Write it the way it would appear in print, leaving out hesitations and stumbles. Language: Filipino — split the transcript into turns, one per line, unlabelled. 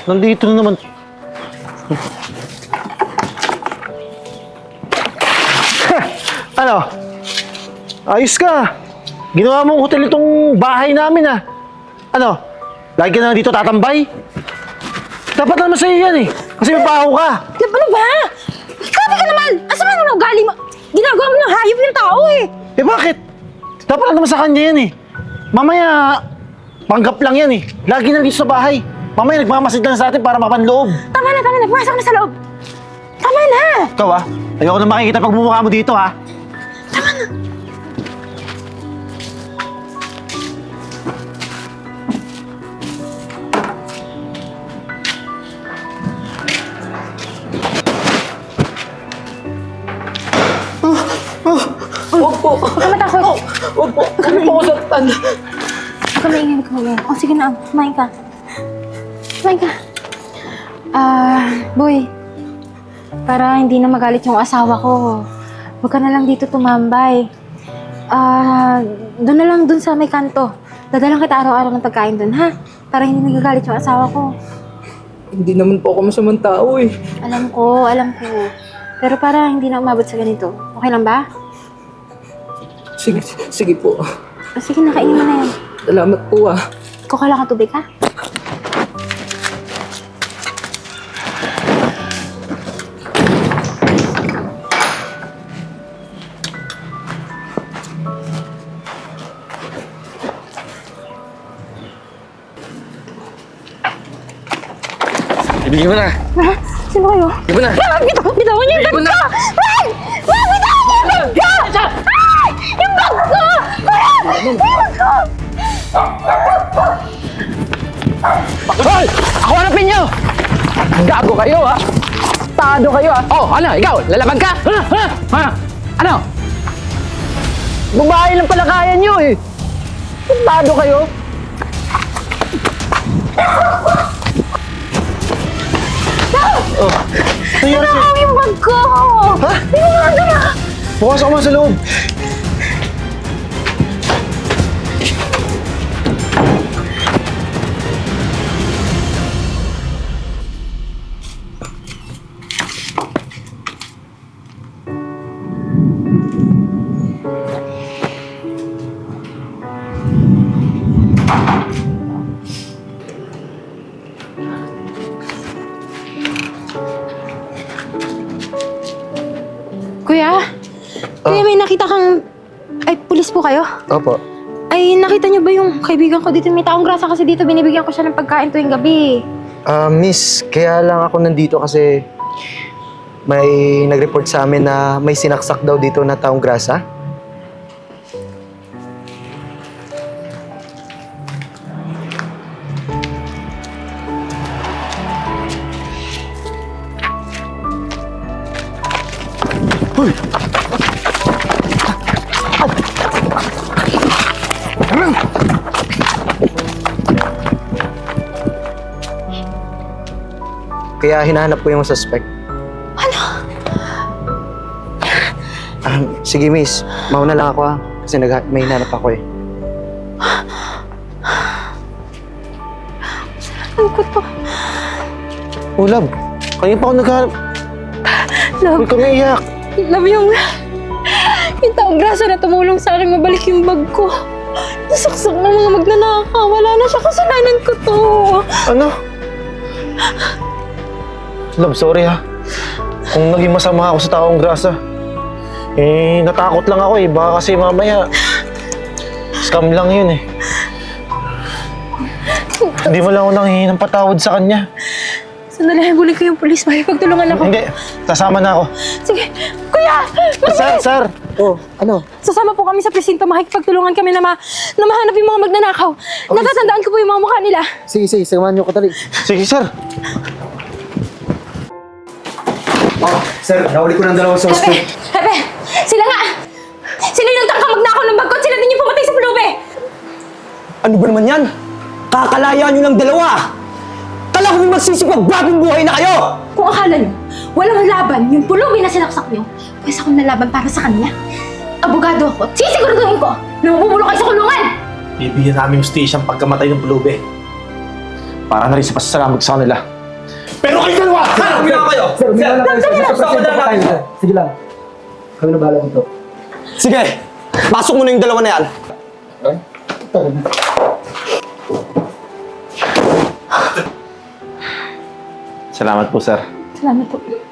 Nandito na naman. Ano? Ayos ka. Ginawa mong hotel itong bahay namin ah. Ano? Lagi ka na dito tatambay? Dapat naman sa'yo yan eh. Kasi may baho ka.
Ano ba? Grabe ka naman! Asa man ang ugali mo? Ginagawa mo ng hayop yung tao eh!
Eh bakit? Dapat naman sa kanya yan eh. Mamaya, panggap lang yan eh. Lagi na dito sa bahay. Mamaya nagmamasid lang sa atin para mapanloob.
Tama na! Pumasok na sa loob! Tama na!
Ikaw ah, ayoko na makikita pagmumukha mo dito ha.
Huwag po.
Huwag ka matakot!
Huwag po. Kami po ako saktan.
Huwag ka maingay. O sige na, kumain ka. Boy. Para hindi na magalit yung asawa ko, huwag ka na lang dito tumambay. Doon na lang dun sa may kanto. Dadalang kita araw-araw ng pagkain dun, ha? Para hindi nagagalit yung asawa ko.
Hindi naman po ako masamang tao eh.
Alam ko. Pero para hindi na umabot sa ganito. Okay lang ba?
Sige po.
Sige, nakainin mo na yan.
Salamat po ah.
Kuha lang ka tubig, ha?
Ibigay mo na.
Ha? Sino kayo?
Ibigay mo na.
Bitawan niyo yung
Ibigay mo
bag
na.
ko! Ay! Bitawan niyo yung bag ko! Ay! Yung bag ko! Yung bag ko!
Hoy! Ako hanapin niyo! Gago kayo ah! Tado kayo ah! Oh, ano? Ikaw? Lalaban ka? Ha? Ano? Babae lang pala kaya niyo eh! Tado kayo!
Nangyari sa'yo?
Bitawan yung bag ko!
Ha?
Bitawan ko na!
Pumasok ka man sa loob.
Kuya, may nakita kang... Ay, pulis po kayo?
Opo.
Ay, nakita niyo ba yung kaibigan ko dito? May taong grasa kasi dito, binibigyan ko siya ng pagkain tuwing gabi.
Miss, kaya lang ako nandito kasi may nag-report sa amin na may sinaksak daw dito na taong grasa. Kaya hinahanap ko yung suspect.
Ano?
Sige miss, mauna lang ako ha. Kasi may hinahanap ako eh.
Ano ko to?
Oh, love. Kanina pa ako naghahanap.
Love,
Huwag ka maiyak.
love yung taong grasa na tumulong sa akin mabalik yung bag ko. Nasaksak ng mga magnanakaw. Wala na siya, kasalanan ko to.
Ano? Love, sorry ha. Kung naging masama ako sa taong grasa. Eh, natakot lang ako eh. Baka kasi mamaya, scam lang yun eh. Hindi mo lang ako nanghihingi ng patawad sa kanya.
Sandali, habulin ko yung pulis. Makipagtulungan ako.
Hindi, sasama na ako.
Sige, kuya!
Sir!
Oh, ano?
Sasama po kami sa presinto. Makikipagtulungan kami na mahanap yung mga magnanakaw. Natatandaan ko po yung mga mukha nila.
Sige, samahan niyo ko tali.
Sige, sir.
Oh, sir, nahuli ko ng dalawang suspect.
Hepe! Sila nga! Sila yung tangka magnakaw ng bag ko at sila din yung pumatay sa pulube!
Ano ba naman yan? Kakalaya nyo ng dalawa! Kala ko may magsisipagbagong buhay na kayo!
Kung akala nyo, walang laban yung pulube na sinaksak nyo, pwes akong nalaban para sa kanya. Abogado ako at sisiguraduhin ko na mabubulok kayo sa kulungan!
Bibigyan namin yung station pagkamatay ng pulube. Para na rin sa pasasalamat sa kanila. Pero kayo dalawa!
Umiyak kayo!
Sir, umiwan na kayo, sir. Nasa presento pa kayo, sir. Sige lang. Kami na bahala dito.
Sige, pasok mo na yung dalawa na yan.
Salamat po, sir.
Salamat po.